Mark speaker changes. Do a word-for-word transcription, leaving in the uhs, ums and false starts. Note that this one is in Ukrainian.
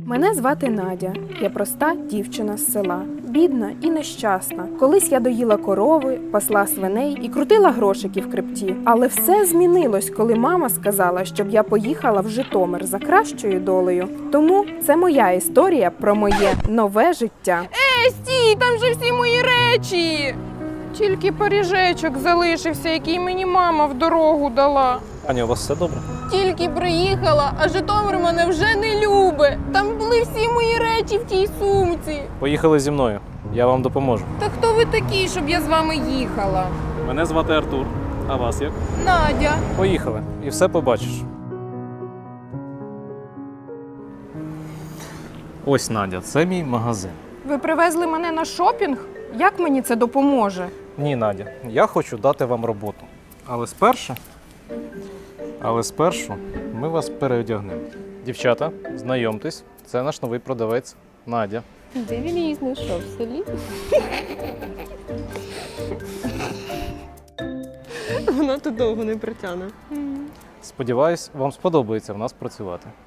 Speaker 1: Мене звати Надя. Я проста дівчина з села. Бідна і нещасна. Колись я доїла корови, пасла свиней і крутила грошики в крипті. Але все змінилось, коли мама сказала, щоб я поїхала в Житомир за кращою долею. Тому це моя історія про моє нове життя.
Speaker 2: Е, стій, там же всі мої речі! Тільки пиріжечок залишився, який мені мама в дорогу дала.
Speaker 3: Аня, у вас все добре?
Speaker 2: Тільки приїхала, а Житомир мене вже не любить. Там були всі мої речі в тій сумці.
Speaker 3: Поїхали зі мною, я вам допоможу.
Speaker 2: Та хто ви такі, щоб я з вами їхала?
Speaker 3: Мене звати Артур, а вас як?
Speaker 2: Надя.
Speaker 3: Поїхали, і все побачиш. Ось, Надя, це мій магазин.
Speaker 2: Ви привезли мене на шопінг? Як мені це допоможе?
Speaker 3: Ні, Надя, я хочу дати вам роботу. Але спершу, але спершу ми вас переодягнемо. Дівчата, знайомтесь, це наш новий продавець Надя.
Speaker 2: Де він її знайшов? В селі?
Speaker 4: Вона тут довго не притягне.
Speaker 3: Сподіваюсь, вам сподобається в нас працювати.